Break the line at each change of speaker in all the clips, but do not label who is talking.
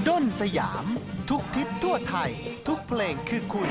ด้นสยาม ทุกทิศทั่วไทย ทุกเพลงคือคุณ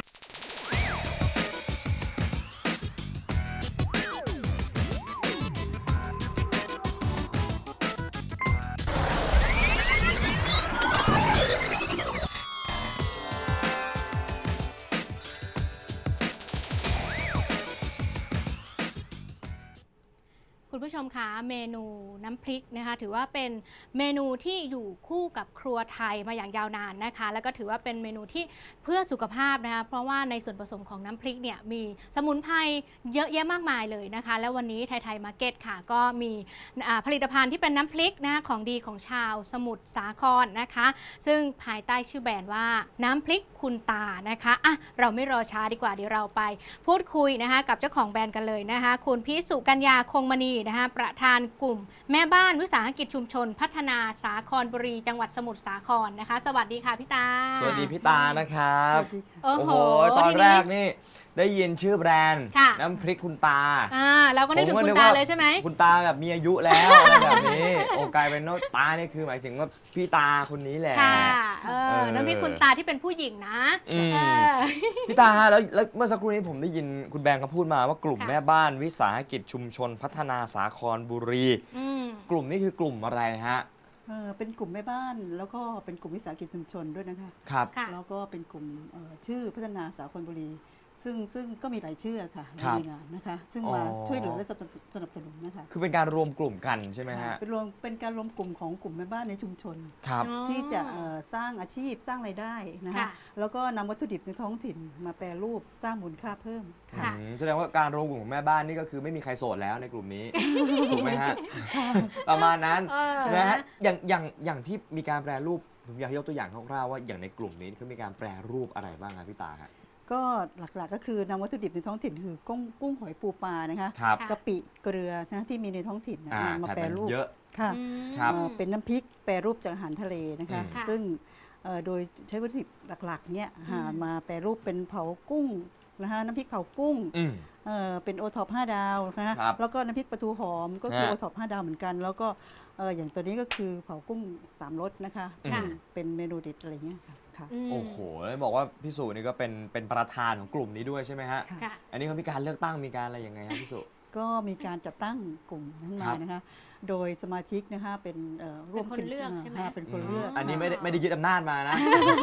คุณผู้ชมคะเมนูน้ำพริกนะคะถือว่าเป็นเมนูที่อยู่คู่กับครัวไทยมาอย่างยาวนานนะคะแล้วก็ถือว่าเป็นเมนูที่เพื่อสุขภาพนะคะเพราะว่าในส่วนผสมของน้ำพริกเนี่ยมีสมุนไพรเยอะแยะมากมายเลยนะคะแล้ววันนี้ไทยมาร์เก็ตค่ะก็มีผลิตภัณฑ์ที่เป็นน้ำพริกนะคะของดีของชาวสมุทรสาครนะคะซึ่งภายใต้ชื่อแบรนด์ว่าน้ำพริกคุณตานะคะอ่ะเราไม่รอช้าดีกว่าเดี๋ยวเราไปพูดคุยนะคะกับเจ้าของแบรนด์กันเลยนะคะคุณพิสุกัญญาคงมณีนะคะประธานกลุ่มแม่บ้านวิสาหกิจชุมชนพัฒนาสาครบุรีจังหวัดสมุทรสาครนะคะสวัสดีค่ะพี่ตา
สวัสดีพี่ตานะครับ
โอ้โห
ตอนแรกนี่ได้ยินชื่อแบรนด์น้ำพริกคุณตา
เราก็นึกถึงคุณตาเลยใช่ไหม
คุณตาแบบมีอายุแล้วอะไรแบบนี้โอ้กลายเป็นตานี่คือหมายถึงว่าพี่ตาคนนี้แหละ
ค่ะน้ำพริกคุณตาที่เป็นผู้หญิงนะ
พี่ตาฮะแล้วเมื่อสักครู่นี้ผมได้ยินคุณแบงค์เขาพูดมาว่ากลุ่มแม่บ้านวิสาหกิจชุมชนพัฒนาสาครบุรีกลุ่มนี้คือกลุ่มอะไรฮะ
เป็นกลุ่มแม่บ้านแล้วก็เป็นกลุ่มวิสาหกิจชุมชนด้วยนะคะ
ครับ
แล้วก็เป็นกลุ่มชื่อพัฒนาสาครบุรีซึ่งก็มีหลายชื่อค่ะในงานนะคะซึ่งมาช่วยเหลือและสนับสนุนนะคะ
คือเป็นการรวมกลุ่มกันใช่ไหมฮะ
เป็นการรวมกลุ่มของกลุ่มแม่บ้านในชุมชน
ครับ
ที่จะสร้างอาชีพสร้างรายได้นะคะแล้วก็นำวัตถุดิบในท้องถิ่นมาแปรรูปสร้างมูลค่าเพิ่ม
แสดงว่าการรวมกลุ่มของแม่บ้านนี่ก็คือไม่มีใครโสดแล้วในกลุ่มนี้ถูกไหมฮะประมาณนั้นนะฮะอย่างที่มีการแปรรูปผมอยากยกตัวอย่างคร่าวๆว่าอย่างในกลุ่มนี้เขามีการแปรรูปอะไรบ้างครับพี่ตาครับ
ก็หลักๆก็คือนำวัตถุดิบในท้องถิ่นคือกุ้งหอยปูปลานะคะกะปิเกลือนะที่มีในท้องถิ่นนำมาแปรรูป
เยอะ
ค่ะเป็นน้ำพริกแปรรูปจากอาหารทะเลนะคะซึ่งโดยใช้วัตถุดิบหลักๆเนี่ยมาแปรรูปเป็นเผากุ้งนะคะน้ำพริกเผากุ้งเป็นโอท็อป5 ดาวนะคะแล้วก็น้ำพริกปลาทูหอมก็คือโอท็อป5 ดาวเหมือนกันแล้วก็อย่างตัวนี้ก็คือเผากุ้ง3 รสนะคะซึ่งเป็นเมนูเด็ดอะไรเงี้ยค่ะ
โอ้โหแล้วบอกว่าพี่สุนี่ก็เป็นประธานของกลุ่มนี้ด้วยใช่ไหมฮะอันนี้เขามีการเลือกตั้งมีการอะไรยังไงครับพี่สุ
ก็มีการจัดตั้งกลุ่มทั้งมานะคะโดยสมาชิกนะคะเป็น
ร่วมคนเลือกใช่ไหม
เป็นคนเลือก
อันนี้ไม่ได้ยึดอำนาจมานะ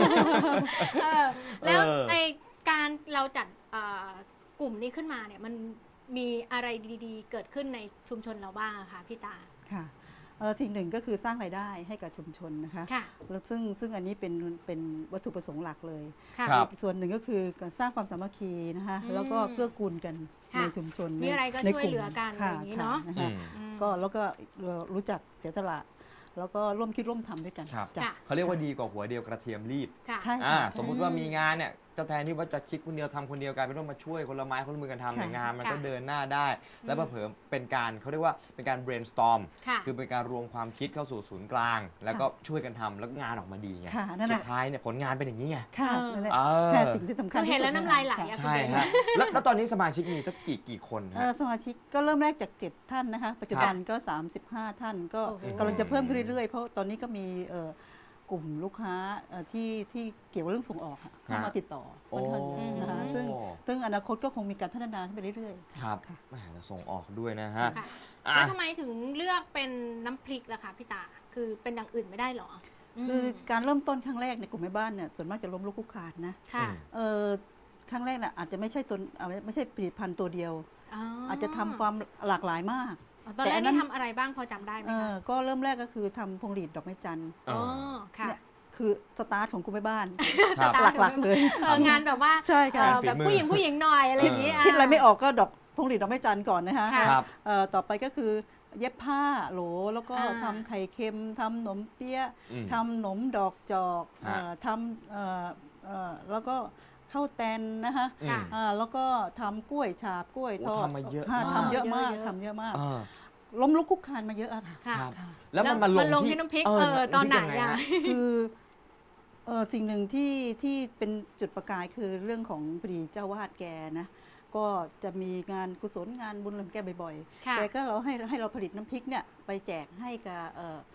แล้วในการเราจัดกลุ่มนี้ขึ้นมาเนี่ยมันมีอะไรดีๆเกิดขึ้นในชุมชนเราบ้างคะพี่ตา
ค่ะสิ่งหนึ่งก็คือสร้างรายได้ให้กับชุมชนนะคะแล้วซึ่งอันนี้เป็นวัตถุประสงค์หลักเลยส่วนหนึ่งก็คือการสร้างความสามัคคีนะคะแล้วก็เกื้อกูลกันในชุมชน
มีอะไรก็ช่วยเหลือกันอย่างนี้เนาะ
ก็แล้วก็รู้จักเสียสละแล้วก็ร่วมคิดร่วมทำด้วยกัน
เขาเรียกว่าดีกว่าหัวเดียวกระเทียมรีบ
ใช่
สมมุติว่ามีงานเนี่ยก็แทนที่ว่าจะคิดคนเดียวทำคนเดียวกลายเป็นต้องมาช่วยคนละไม้คนละมือกันทำในงานมันก็เดินหน้าได้แล้วเผลอเป็นการเขาเรียกว่าเป็นการ brainstorm คือเป็นการรวมความคิดเข้าสู่ศูนย์กลางแล้วก็ช่วยกันทำแล้วงานออกมาดีไงสุดท้ายเนี่ยผลงานเป็นอย่างนี้ไง
แค่สิ่งที่สำคัญ
เห็นแล้วน้ำลายไหล
ใช่ฮะแล้วตอนนี้สมาชิกมีสักกี่คน
สมาชิกก็เริ่มแรกจาก7 ท่านนะคะปัจจุบันก็35 ท่านก็กำลังจะเพิ่มขึ้นเรื่อยๆเพราะตอนนี้ก็มีกลุ่มลูกค้าที่เกี่ยวกับเรื่องส่งออกเข้ามาติดต่อนะคะซึ่งอนาคตก็คงมีการพัฒนาขึ้นไปเรื่อย
ๆครับจะส่งออกด้วยนะฮะ
แล้วทำไมถึงเลือกเป็นน้ำพริกล่ะคะพี่ตาคือเป็นอย่างอื่นไม่ได้หรอ
คือการเริ่มต้นครั้งแรกในกลุ่มแม่บ้านเนี่ยส่วนมากจะล้มลุกคลุกคลานนะครั้งแรกน่ะอาจจะไม่ใช่ผลิตภัณฑ์ตัวเดียวอาจจะทำความหลากหลายมาก
ตอนแรกนี่ทำอะไรบ้างพอจำได้ไหมคะ
ก็เริ่มแรกก็คือทำพวงหรีดดอกไม้จันทร์เนี่ยคือสตาร์ทของกลุ่มแม่บ้านหลักๆเลย
งานแบบว่า
ใช่ค่ะ
แบบผู้หญิงหน่อยอะไรอย่างนี้
คิดอะไรไม่ออกก็พวงหรีดดอกไม้จันทร์ก่อนนะคะต่อไปก็คือเย็บผ้าโหลแล้วก็ทำไข่เค็มทำขนมเปี๊ยะทำขนมดอกจอกทำแล้วก็ข้าวแตนนะคะแล้วก็ทำกล้วยฉาบกล้วยทอด
ทำมาเยอะ
ทำเยอะมากล้มลุกคุกคานมาเยอะอะ
ค่ะแล้วมันมาลงที่
น้ำพริกตอนไหน
คือสิ่งหนึ่งที่เป็นจุดประกายคือเรื่องของพอดีเจ้าวาดแกนะก็จะมีงานกุศลงานบุญของแกบ่อยๆแกก็ให้เราผลิตน้ำพริกเนี่ยไปแจกให้กับ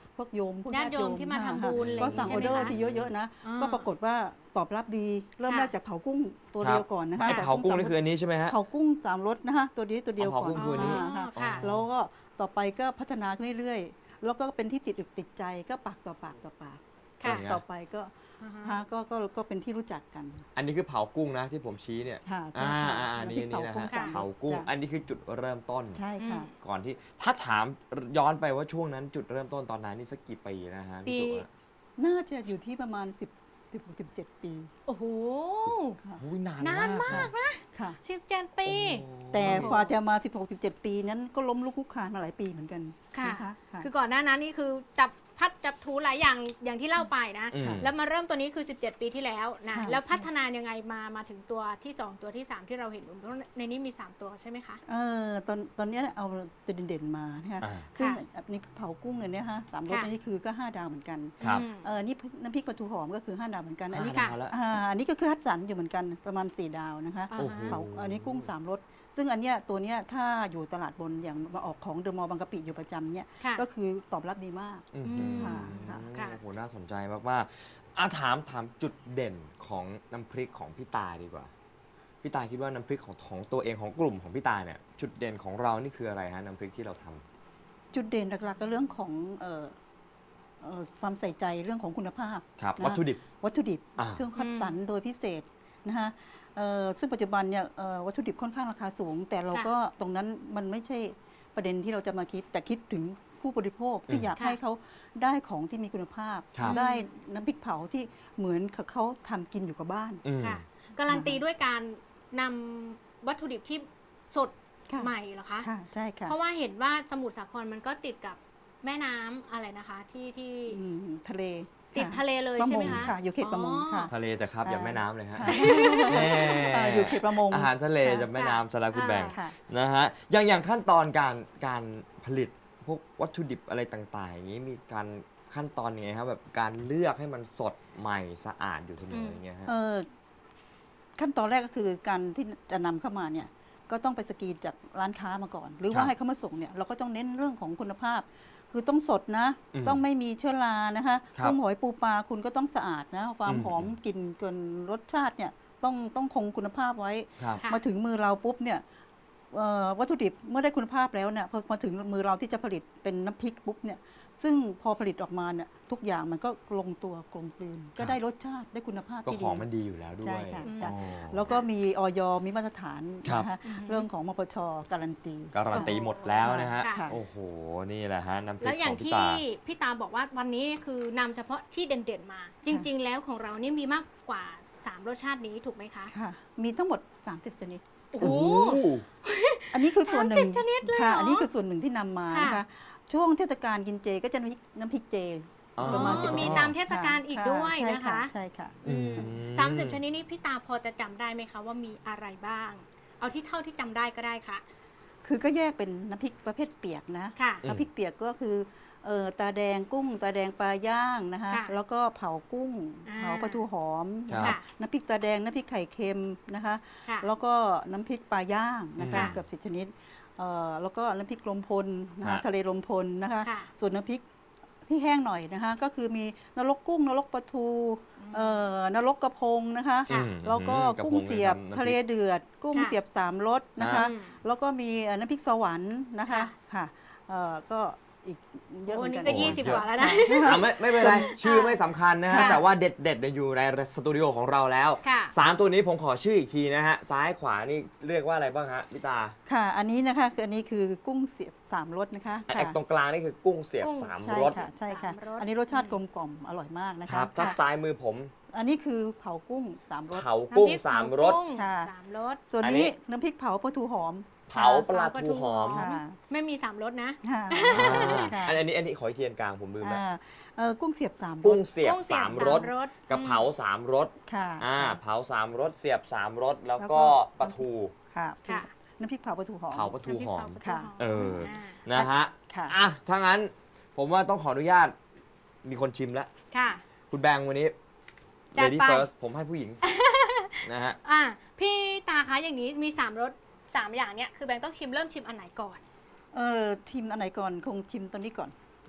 พวกโยมพวก
ญาติโยมที่มาทำบุญอะไร
ก็
อย่าง
สั่ง
นี้
ออเดอร์
ใช่ไหมคะ
ที่เยอะๆนะ
อ่า
ก็ปรากฏว่าตอบรับดีเริ่ม
ค่ะ
แรกจากเผากุ้งตัว
ครับ
เดียวก่อนนะคะ
ไอ้เผากุ้งนี่คืออันนี้ใช่ไหมฮะ
เผากุ้ง3 รสนะคะตัวนี้ตัวเดียว
เผา
ก่อน
กุ้งคืออันนี้
ค่ะ
ค่ะ
แล้วก็ต่อไปก็พัฒนาขึ้นเรื่อยๆ แล้วก็เป็นที่ติดอกติดใจก็ปากต่อปากต่อปาก
ค่ะ
ต่อไปก็
อ่าฮะ
ฮะก็เป็นที่รู้จักกัน
อันนี้คือเผากุ้งนะที่ผมชี้เนี่ย
ค่ะใช่ค่ะ
อันนี้
น้ำพริก
นะ
เผากุ้
ฮะ
ง
ค่ะ
เผากุ้ง
จ้ะ
อันนี้คือจุดเริ่มต้น
ใช่ค่ะ
ก่อนที่ถ้าถามย้อนไปว่าช่วงนั้นจุดเริ่มต้นตอนนั้นนี่สักกี่ปีนะฮะพี่สุ
ปี
อะ
น่าจะอยู่ที่ประมาณ17 ปี
โอ้โห
ค่ะ
โอ้ยนาน
นานมากนะ
ค่ะ
17 ปี
โอ้
แต่กว่าจะมา 16-17 ปีนั้นก็ล้มลุกคลุกคลานมาหลายปีเหมือนกัน
ค่ะ
นะคะค่ะ
คือก่อนหน้านั้นนี่คือจับพัดจับถูหลายอย่างอย่างที่เล่าไปนะ
อืม
แล้วมาเริ่มตัวนี้คือ 17 ปีที่แล้วนะ
ค่ะ
แล้วพัฒนายังไงมาถึงตัวที่ 2 ตัวที่ 3 ที่เราเห็นเพราะในนี้มี 3 ตัวใช่ไหมคะ
ตอนเนี้ยเอาตัวเด่นๆมานะคะ
อ่า
ซึ่ง
ค่ะ
อันนี้เผากุ้งอันเนี้ยฮะ3 รส
ค่ะ
อันนี้คือก็5 ดาวเหมือนกัน
ครับ
อืม
น้ำพริกปลาทูหอมก็คือ5 ดาวเหมือนกัน อันนี้
ค่ะ
ดาวแล้ว
อันนี้ก็คือคัดสรรอยู่เหมือนกันประมาณ4 ดาวนะคะ
อ่า
โอ้โห
เผาอันนี้กุ้ง3 รสซึ่งอันเนี้ยตัวเนี้ยถ้าอยู่ตลาดบนอย่างมาออกของเดอะมอลล์บางกะปิอยู่ประจำเนี่ย
ค่ะ
ก็คือตอบรับดีมาก
อืม
ค่ะค่ะ
ค่ะ
โอ้โหน่าสนใจมากๆถามจุดเด่นของน้ำพริกของพี่ตาดีกว่าพี่ตาคิดว่าน้ำพริกของตัวเองของกลุ่มของพี่ตาเนี่ยจุดเด่นของเรานี่คืออะไรฮะน้ำพริกที่เราทำ
จุดเด่นหลักๆก็เรื่องของความใส่ใจเรื่องของคุณภาพ
ครับ
นะ
วัตถุดิบ
วัตถุดิบ
อ่า
ซึ่งคัดสรรโดยพิเศษนะคะซึ่งปัจจุบันเนี่ยวัตถุดิบค่อนข้างราคาสูง แต่เราก็ตรงนั้นมันไม่ใช่ประเด็นที่เราจะมาคิด แต่คิดถึงผู้บริโภคที่อยาก
ค่ะ
ให้เขาได้ของที่มีคุณภาพ
ครับ
ได้น้ำพริกเผาที่เหมือนกับเขาทำกินอยู่กับบ้าน
อืม
ค่ะการันตีด้วยการนำวัตถุดิบที่สด
ค่ะ
ใหม่เหรอคะ
ค่ะใช่ค่ะ
เพราะว่าเห็นว่าสมุทรสาครมันก็ติดกับแม่น้ำอะไรนะคะ ที่
อืมทะเล
ติด
ค่
ทะเลเลย
ประ
ใช่
ม
ไหม
ง
คะ
ค่ะอยู่เขตประมงค่ะ
ทะเลจะครับอย่างแม่น้ำเลยฮะ
ค่ะ
แน่
อยู่เขตประมง
อาหารทะเล
ค่ะ
จะแม่น้ำสาระคุณแบ่ง
ค่ะ
นะฮะอย่างขั้นตอนการผลิตพวกวัตถุดิบอะไรต่างๆ อย่างนี้มีการขั้นตอนยังไงครับแบบการเลือกให้มันสดใหม่สะอาดอยู่เสมออย่างเงี้ยฮะ
ขั้นตอนแรกก็คือการที่จะนำเข้ามาเนี่ยก็ต้องไปสกรีนจากร้านค้ามาก่อน หรือ
ครั
ว่า
บ
ให้เขามาส่งเนี่ยเราก็ต้องเน้นเรื่องของคุณภาพ คือต้องสดนะ
อืม
ต้องไม่มีเชื้อรานะคะ
ครับ
กุ้งหอยปูปลาคุณก็ต้องสะอาดนะความ
อืม
หอมกลิ่นเกินรสชาติเนี่ยต้องคงคุณภาพไว้
ครับ
ค่ะ
มาถึงมือเราปุ๊บเนี่ยวัตถุดิบเมื่อได้คุณภาพแล้วเนี่ยพอมาถึงมือเราที่จะผลิตเป็นน้ำพริกปุ๊บเนี่ยซึ่งพอผลิตออกมาเนี่ยทุกอย่างมันก็ลงตัวกลมกลืน ก็ได้รสชาติได้คุณภาพ
ก็
ที่
ข
ดี
องมันดีอยู่แล้วด้ว
ใช่
ย
ค่ะ
อืม
ค่ะ
อ๋อ
แล้วก็มีออยมีมาตรฐาน
ครับ
นะคะ
อือฮึ
เรื่องของมปชการันตี
การันตีหมดแล้วนะฮะ
ค่ะ
โอ้โห นี่แหละฮะน้ำพริ
แล้ว
ก
อ
ข
ย่า
อง งพี่
ที่
ตา
พี่ตาบอกว่าวันนี้เนี่ยคือนำเฉพาะที่เด่นๆมา จริง ๆ แล้วของเรานี่มีมากกว่า 3 รสชาตินี้ถูกไหมคะ
ค่ะ มีทั้งหมด 30 ชนิด
โอ้โห
อันนี้คือส่วนหนึ่ง
30ชนิดเลยเหรอ
ค่ะ อันนี้คือส่วนหนึ่งที่นำมานะคะ
ค่ะ
ช่วงเทศกาลกินเจก็จะมีน้ำพริกเจ
อ๋อ
ประมาณ
อ๋อ
10
มีตามเทศกาลอีกด้วย
ใช่
นะคะ
ใช่ค่ะ
อืม
อืม
30 ชนิดนี้พี่ตาพอจะจำได้ไหมคะว่ามีอะไรบ้าง เอาที่เท่าที่จำได้ก็ได้ค่ะ
คือก็แยกเป็นน้ำพริกประเภทเปียกนะ
ค่ะ
อืม
น้ำพริกเปียกก็คือตาแดงกุ้ง ตาแดงปลาย่างนะคะ
ค่ะ
แล้วก็เผากุ้ง
อ่า
เผาปลาทูหอมนะ
ครั
คะ
บ
น้ำพริกตาแดงน้ำพริกไข่เค็มนะคะ
ค่ะ
แล้วก็น้ำพริกปลาย่างนะคะ
ค่ะ
เกือบ10 ชนิดแล้วก็น้ำพริกลมพลนะคะ
ฮะ
ทะเลลมพลนะคะ
ค่ะ
ส่วนน้ำพริกที่แห้งหน่อยนะคะ ก็คือมีนรกกุ้งนรกปลาทูนรกกระพงนะคะ
ค่ะ
อืม
แล้วก็
ระพ
กุ้งเสียบ
นี่ำ
ทะเล
น้ำพริก
เดือด กุ้ง
ค่ะ
เสียบ3 รสนะคะ
อืม
แล้วก็มีน้ำพริกสวรรค์นะคะ
ค่ะ
ค่ะก็อีกเยอะเหมื
วั
อน น
นี้
กัน
ก็
โอ้
20
เยอะ
กว่าแล้วนะ
ไม่เป็นไร ชื่อไม่สำคัญนะฮะ
ค่ะ
แต่ว่าเด็ดๆเนี่ยอยู่ในสตูดิโอของเราแล้ว
ค่ะ
3 ตัวนี้ผมขอชื่ออีกทีนะฮะ ซ้ายขวานี่เรียกว่าอะไรบ้างฮะพี่ตา
ค่ะ อันนี้นะคะคืออันนี้คือกุ้งเสียบ3 รสนะคะ
ไอ้ตรงกลางนี่คือกุ้งเสียบ
กุ้ง
3
ใช่
รส
ค่ะใช่ค่ะ
3 รส
อันนี้รสชาติกลมกล่อมอร่อยมากนะ
ค
คะ
รับถ้า
ค่ะ
ซ้ายมือผม
อันนี้คือเผากุ้ง3 รส
เผากุ้ง
น้ำพริ
3 รส
เผากุ้ง
ค่ะ
3 รส
ส่วน
อันนี้
นี้น้ำพริกเผาปลาทูหอม
เผาปลา
เผา
ทูหอม
ค่ะ
ไม่มี 3 รสนะ
ค่ะ ค่ะ
อันนี้ขออีกทีกลางผมลืมแล้ว
กุ้งเสียบ3 ร
กุ้
ส
งเสียบ
กุ้งเสียบ
3 รส
3 รส
กระเพรา3 รส
ค่ะ
เผา3 รสเสียบ3 รสแล้วก็ปลาทู
ค่ะ
ค่ะ
น้ำพริกเผาปลาทูหอม
เผาปลาทูหอม
น้ำพริกเผาปลาทู
ค่ะ
หอม
เออ
า
นะฮะ
ค่ะ
อ่ะถ้างั้นผมว่าต้องขออนุญาตมีคนชิมแล้ว
ค่ะ
คุณแบงค์วันนี้
จัด
lady
ไป
first ผมให้ผู้หญิง นะฮะ
พี่ตาคะอย่างนี้มี 3 รส 3 อย่างเนี้ยคือแบงค์ต้องเริ่มชิมอันไหนก่อน
ชิมอันไหนก่อนคงชิมตัวนี้ก่อน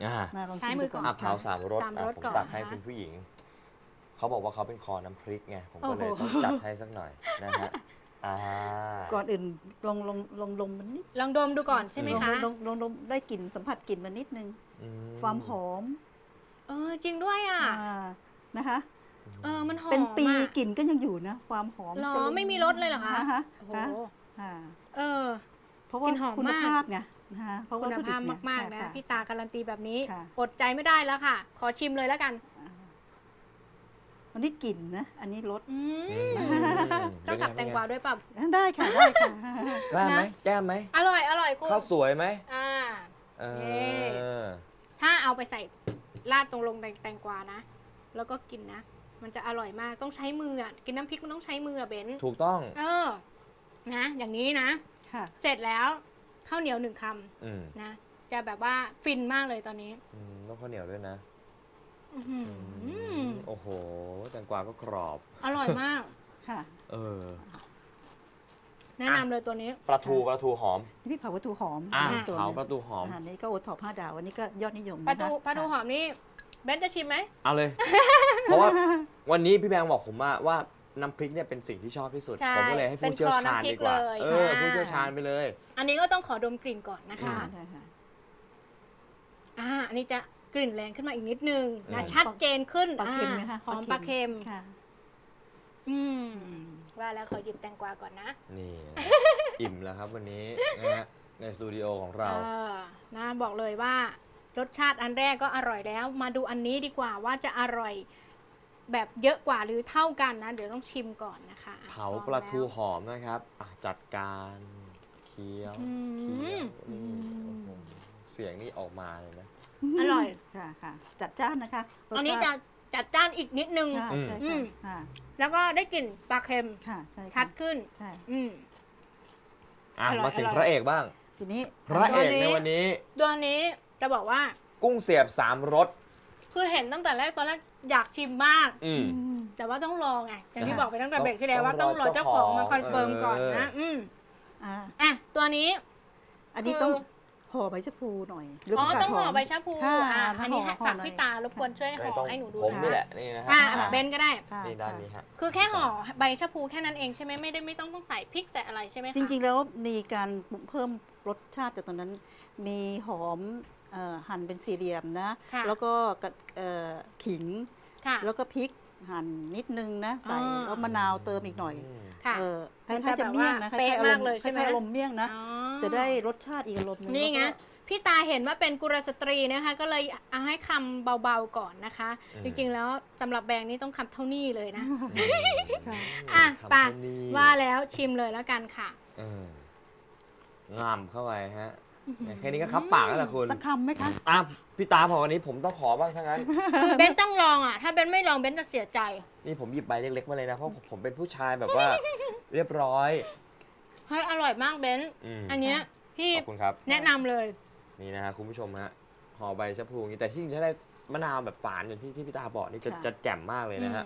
มาลอง
ซ้า
ชิ
ย
ม
มื
ดู
อก่
ก่
อ
อน น
เผา
ค่ะ
3 รส
3 รส
ผม
ก่อน
ตักให้
นะคะ
คุณผู้หญิง เขาบอกว่าเขาเป็นคอน้ำพริกไง ผมก็เลย
โอ้โห
ต้องจัดให้สักหน่อยนะฮะ
ก่อนอื่นลองดมมันนิด
ลองดมดูก่อนใช่ไหมคะ
ลองดมได้กลิ่นสัมผัสกลิ่นมันนิดนึง ความหอม
จริงด้วยอ่ะ
นะคะ
มันหอม
เป็นปี
อะ
กลิ่นก็ยังอยู่นะ ความหอม
หรอ
จะ
ไม่มีรสเลยเหรอคะ
ฮ
โอ้โห
อ่า เพราะ
ก
ว่า
ลิ่นหอม
คุณ
มาก
ภาพไงนะคะเพราะว่า
คุณ
วัตถุดิ
ภาพ
บเนี่ย
มากๆนะ
ค่
พี่ตาการันตีแบบนี้
ค่ะ
อดใจไม่ได้แล้วค่ะ ขอชิมเลยแล้วกัน
อันนี้กลิ่นนะ อันนี้รส
ต้องกับแตงกวาด้วยป่ะ
ได้ค่ะได้ค่ะ
กล้าไหมแก้มไหม
อร่อยคุณ
ข้าวสวยไหม
เอ
เออ
ถ้าเอาไปใส่ราดตรงลงแตงกวานะ แล้วก็กินนะ มันจะอร่อยมากต้องใช้มืออ่ะกินน้ำพริกมันต้องใช้มืออ่ะเบน
ถูกต้อง
นะ อย่างนี้นะ
ค่ะ
เสร็จแล้วข้าวเหนียว1 ค
อืม
ำนะ จะแบบว่าฟินมากเลยตอนนี้
ต้องข้าวเหนียวด้วยนะ
อื้อหือ
โอ้โห แตงกวาก็กรอบ
อร่อยมาก
ค่ะ
เออ
แนะนำเลยตัวนี้
ปลาทูหอม
นี่พี่เผาวัตถุหอม
อ่ะ
อีกตัวห
เผา
นึ่ง
ปลาทูหอม
อันนี้ก็โอท็อป5 ดาวอันนี้ก็ยอดนิยม
ปลา
นะคะ
ทูหอมนี่เบนจะชิมไหม
เอาเลย เพราะว่าวันนี้พี่แบงค์บอกผมว่าน้ำพริกเนี่ยเป็นสิ่งที่ชอบที่สุด
ใช่
ผมก็เลยให้ผู้เชี่ยวชาญดีกว่า
เป็นคอน้ำพริกเลย
เออ
ค่ะ
ผู้เชี่ยวชาญไปเลย
อันนี้ก็ต้องขอดมกลิ่นก่อนนะคะ
ได้ค่ะ
อันนี้จะกลิ่นแรงขึ้นมาอีกนิดนึงนะ
อืม
ชัดเจนขึ้น
ปลาเค็มไหมคะ
หอมปลาเค็ม
ค่ะ
ว่าแล้วขอหยิบแตงกวาก่อนนะ
นี่ อิ่มแล้วครับวันนี้นะฮะในสตูดิโอของเรา
นะบอกเลยว่ารสชาติอันแรกก็อร่อยแล้ว มาดูอันนี้ดีกว่าว่าจะอร่อยแบบเยอะกว่าหรือเท่ากันนะ เดี๋ยวต้องชิมก่อนนะคะ
เผาปลาทูหอมนะครับจัดการเคี้ยวเคี้ยวนี่โอ้โหเสียงนี่ออกมาเลยนะ
อร่อย
ค่ะค่ะจัดจ้านนะคะรสชาติ
อันนี้จะจัดจ้านอีกนิดนึง
ค่ะใช่
อื
ค่ะ
ม
ค่ะ
แล้วก็ได้กลิ่นปลาเค็ม
ค่ะใช่ค่ะ
ชัดขึ้น
ใช่
อร่อย
มาถึง
อร่อย
พระเอกบ้าง
ทีนี้
พระเอก
ตัวนี้
ในวันนี้
ตัวนี้จะบอกว่า
กุ้งเสียบ3 รส
คือเห็นตั้งแต่แรกตอนแรกอยากชิมมาก
อืม
แต่ว่าต้องรอไงอย่างที่
อ่า
บอกไปตั้งแต่เบรกที่แล้วว่า
ต้
ต้
อ
อง ง
ร
ร
อ
อเจ้าของมา
เจ้าของ
คอนเฟิร์มก่อนนะ
อ่า
ตัวนี้
อันนี้
คือ
ต้องห่อใบชะพูหน่อยหรือ
อ๋อ
ผัก
ต้องห่อใบชะพู
ค่ะ
อันนี้
ห่อ
ฝาก
หน่อย
พี่ตารบกวนช่วยห่
ไม่
อ
ต้อง
ให้หนูดู
ผม
นะ
นี่แหละนี่นะฮะ
เบนก็ได้
ค่ะ
นี่ด้านนี้ฮะ
คือแค่ห่อใบชะพูแค่นั้นเองใช่ไหมไม่ต้องใส่พริกใส่อะไรใช่ไหมคะ
จริงๆแล้วมีการเพิ่มรสชาติจากตอนนั้น มีหอมหั่นเป็นสี่เหลี่ยมนะ
ค่ะ
แล้วก็ขิง
ค่ะ
แล้วก็พริกหั่นนิดนึงนะใส่
อ่า
แล้วมะนาวเติมอีกหน่อย
ค่ะ
คล้
มันจะ
ายๆจะเมี่ยงนะ
แบบว่าเป๊ะมากเลยใช่ไหม
คล้ายๆอารมณ์เมี่ยงนะ
อ๋อ
จะได้รสชาติอีกอารมณ์หนึง
นี่ไง
แล้วก็
พี่ตาเห็นว่าเป็นกุลสตรีนะคะ ก็เลยเอาให้คำเบาๆก่อนนะคะ จริงๆแล้วสำหรับแบงค์นี่ต้องคำเท่านี้เลยนะ
ค่ะ
ไป
ทำให้นี่
ว่าแล้วชิมเลยแล้วกันค่ะ
งามเข้าไปฮะแค่นี้ก็คับปากแล้วล่ะคุณ
สักคำไหมคะ
พี่ตาพอวันนี้ผมต้องขอบ้างทั้งนั้น
คือเบนต้องลองอ่ะ ถ้าเบนไม่ลองเบนจะเสียใจ
นี่ผมหยิบใบเล็กๆมาเลยนะ เพราะผมเป็นผู้ชายแบบว่า เรียบร้อย
เฮ้ยอร่อยมากเบน อันเนี้ยพี่
ขอบคุณครับ
แนะนำเลย
นี่นะฮะคุณผู้ชมฮะห่อใบชะพลูอย่างนี้แต่ที่จริงจะได้มะนาวแบบฝานอย่างที่พี่ตาบอกนี่จะ
ค่ะ
จะแจ่มมากเลยนะฮะ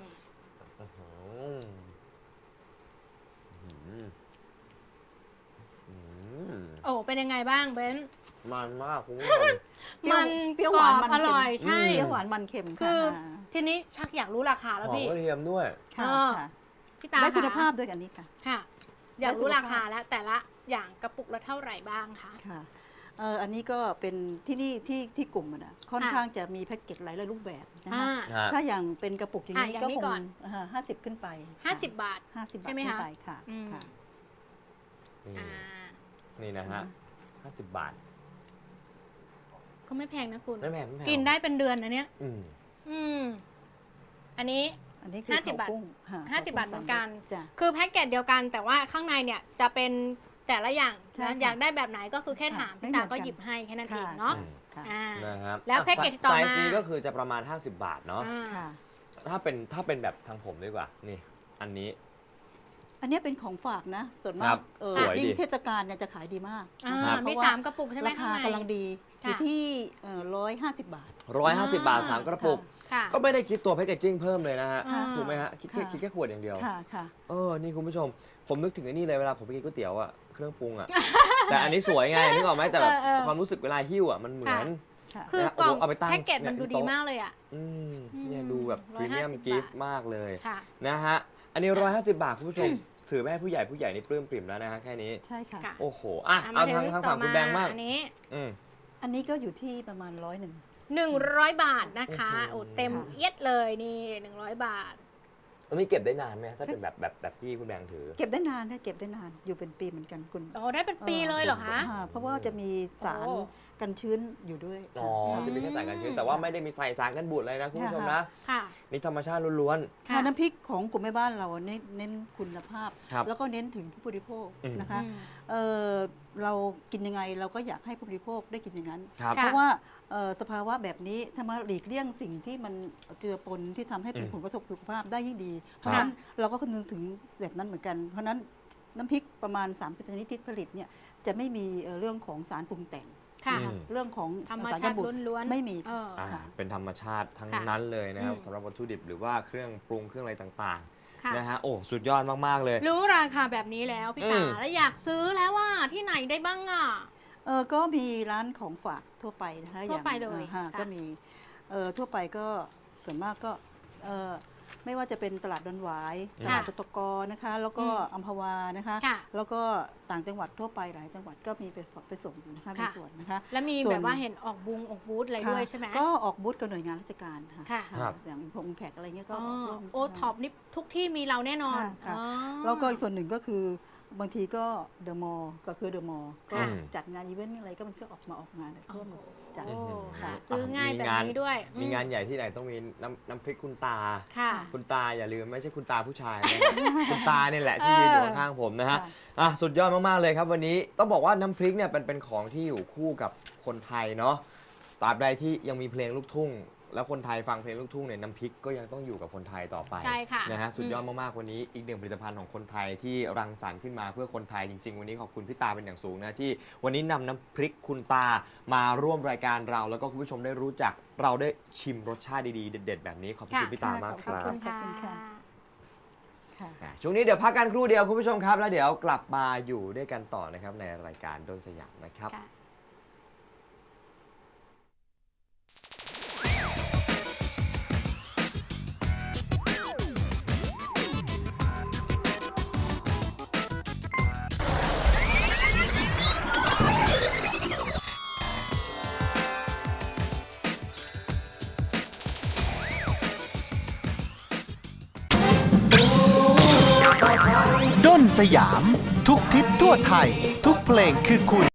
โอ้เป็นยังไงบ้างเบน
มันมากคุณผู้ชม
มัน
เปรี้ยว
กร
ห
อ
วาน
บ
มัน
อ
เค็ม
ร่อยใช่
เปรี้ยวหวานมันเค็ม
คือ
ค่ะ
ทีนี้ชักอยากรู้ราคาแล้ว
หอม
พี่
กระเทียมด้วย
ค่ะ
เออ
ค่ะ
พี่ตา
ได้คุณ
ะ
ภาพด้วยกันนี้ค่ะ
ค่ะ อยากรู้ราคาแล้วแต่ละอย่างกระปุกละเท่าไหร่บ้างคะ
ค่ะอันนี้ก็เป็นที่นี่ที่กลุ่มอะนะค่อน
ค่ะ
ข้างจะมีแพ็กเกจหลายรูปแบบนะคะ
อ่า
ถ้าอย่างเป็นกระปุกอย่างนี้
อย่าง
ก็
นี้
ค
ก่
ง
อน
50 ขึ้นไป
50 บาท
50 บาท
ใช่ไหม
ขึ้
คะ
นไปค่ะ
อืม
ค่ะ
นี่
อ่า
นี่นะฮะ50 บาท
ก็ไม่แพงนะคุณ
ไม่แพงไม่แพง
กินได้เป็นเดือนนะเนี่ย
อืม
อืมอันนี้
อันนี้คือ
50 บาท
เผกุ้งค่ะ
50 บาทเหมือนกัน
จ้ะ
คือแพ็กเกจเดียวกัน แต่ว่าข้างในเนี่ยจะเป็นแต่ละอย่าง
ใช่
นะ
ค่ะ
อยากได้แบบไหนก็คือแค่ถาม
ไม่
พี่
เหมื
ตา
อนกัน
ก็หยิบให้แค่นั้นเอง
ค่ะ
เนาะ
ค่ะ
อ่า
นะครับ
แล้วแพ็กเกจต่อมา
ไซส์นี้ก็คือจะประมาณ 50 บาทเนาะ
อ่า
ค่ะ
ถ้าเป็นแบบทางผมดีกว่านี่อันนี้
อันนี้เป็นของฝากนะ ส่วน
ค
มา
รั
ก
บสวยดิ
ยิ่งเทศกาลเนี่ยจะขายดีมาก
อ่า
นะคะ
มี
เพราะว่า
3 กระปุกใช่ไหม
รา
ข้า
คาง
ใน
กำลังดีอยู่
ค่ะ
ที่150 บาท
150 บาท 3 กระปุก
ค่ะ
ก็ไม่ได้คิดตัวแพคเกจจิ้งเพิ่มเลยนะฮะ
อ่า
ถูกไหมฮะ คิด
ค่ะ
แค่ขวดอย่างเดียว
ค่ะค่ะ
นี่คุณผู้ชม ผมนึกถึงไอ้นี่เลยเวลาผมไปกินก๋วยเตี๋ยวอะเครื่องปรุงอะ แต่อันนี้สวยไงนึกออกไหมแต่แบบ
เออ
ความรู้สึกเวลาหิ้วอะมันเหมือน
ค่ะ
คือกล่องแพ็กเกจมันดูดีมากเลยอ่ะ
เนี่ยดูแบบพรีเมียม
150
กิฟต์มากเลย
ค่ะ
นะฮะอันนี้150 บาทคุณผู้ชมถือแม่ผู้ใหญ่นี่ปลื้มปริ่มแล้วนะฮะแค่นี้
ใช่ค่ะ
ค่ะ
โอ้โหอ่ะเอาทางฝั่งคุณแบงค์มาก
อันนี้
อืม
อันนี้ก็อยู่ที่ประมาณ100
100 บาทนะคะ
โอ้
โอ้
โห
เต็มเอียดเลยนี่100 บาท
แล้วนี่เก็บได้นานไหมถ้าเป็นแบบที่คุณแบงค์ถือ
เก็บได้นานนะเก็บได้นานอยู่เป็นปีเหมือนกันคุณ
โอ้ได้เป็นปีเลยเหรอคะ
เพราะว่าจะมีสาร
โอ้
กันชื้นอยู่ด้วย
อ๋อจะมีแค่สารกันชื้นแต่ว่าไม่ได้มีใส่สารกันบูดเลยนะคุณผู้ชมนะ
ค่ะ
นี่ธรรมชาติล้วน
ค่ะน้ำพริกของกลุ่มแม่บ้านเราเน้นคุณภาพ
ครับ
แล้วก็เน้นถึงผู้บริโภค
อืม
นะคะ
อืม
เรากินยังไงเราก็อยากให้ผู้บริโภคได้กินอย่างนั้น
ครับ
เพราะว่าสภาวะแบบนี้ถ้ามาหลีกเลี่ยงสิ่งที่มันเจือปนที่ทำให้เป็น
อืม
ผลกระทบสุขภาพได้ยิ่งดี เพราะฉะนั้นเราก็คำนึงถึงแบบนั้นเหมือนกัน เพราะฉะนั้นน้ำพริกประมาณ 30ชนิดที่ผลิตเนี่ยจะไม่มีเรื่องของสารปรุงแต่ง
ค่ะ
อืม
เรื่องของ
ธรรม
สาร
ชา
กัน
ติ
บูด
ล้วนๆ
ไม่มี
เออ
อ่า
ค่ะ
เป็นธรรมชาติทั้ง
ค่ะ
นั้นเลยนะครับ
อืม
สำหรับวัตถุดิบหรือว่าเครื่องปรุงเครื่องอะไรต่าง
ค่ะ
ๆนะฮะโอ้สุดยอดมากๆเลย
รู้ราคาแบบนี้แล้วพี่ตา
อืม
แล้วอยากซื้อแล้วว่าที่ไหนได้บ้างอ่ะ
ก็มีร้านของฝากทั่วไปนะคะ
ทั่วไปเลย
ค่ะ
ค่ะ
ก็มีทั่วไปก็ส่วนมากก็ไม่ว่าจะเป็นตลาดดอนหวายตลาด
ค่ะ
ตกนะคะ แล้วก็อัมพวานะคะ
ค่ะ
แล้วก็ต่างจังหวัดทั่วไปหลายจังหวัดก็มีไปส่งนะคะมี
ค่ะ
ส่วนนะคะ
แล้วมี
ส่วน
แบบว่าเห็นออกบูธอะไรด้วยใช่ไหม
ก็ออกบูธกับหน่วยงานราชการค่ะ
ค่ะ
ครับ
อย่างอิมแพกอะไรเงี้ยก็
อ๋อ
ออกร่วม
โอท็อปนี่ทุกที่มีเราแน่นอน
ค่ะ
อ๋อ
แล้วก็อีกส่วนหนึ่งก็คือบางทีก็เดอะมอลล์ก็คือเดอะมอลล์ก็
ค่ะ
จัดงานอีเวนต์อะไรก็มันก็ออกงานร่วมจัด
โอ้
ค่ะ
ซื้อง่ายแบบนี้ด้วย
มีงานใหญ่ที่ไหนต้องมีน้ำพริกคุณตา
ค่ะ
คุณตาอย่าลืมไม่ใช่คุณตาผู้ชายนะ คุณตาเนี่ยแหละที่ยืนอยู่ข้างๆผมนะฮะ
ค่ะ
สุดยอดมากๆเลยครับวันนี้ต้องบอกว่าน้ำพริกเนี่ยเป็นของที่อยู่คู่กับคนไทยเนาะตราบใดที่ยังมีเพลงลูกทุ่ง แล้วคนไทยฟังเพลงลูกทุ่งเนี่ยน้ำพริกก็ยังต้องอยู่กับคนไทยต่อไป
ใช่ค่ะ
นะฮะสุดยอดมากๆวันนี้อีกหนึ่งผลิตภัณฑ์ของคนไทยที่รังสรรค์ขึ้นมาเพื่อคนไทยจริงๆวันนี้ขอบคุณพี่ตาเป็นอย่างสูงนะที่วันนี้นำน้ำพริกคุณตามาร่วมรายการเราแล้วก็คุณผู้ชมได้รู้จักเราได้ชิมรสชาติดีๆเด็ดๆแบบนี้ขอบคุณพี่ตามากค
ขอบ
รับ
คุณค่ะ
ขอบคุณค่ะ ค่ะ
ช่วงนี้เดี๋ยวพักกันครู่เดียวคุณผู้ชมครับแล้วเดี๋ยวกลับมาอยู่ด้วยกันต่อนะครับในรายการดนสยามนะครับ
ค่ะ
ด้นสยาม ทุกทิศทั่วไทย ทุกเพลงคือคุณ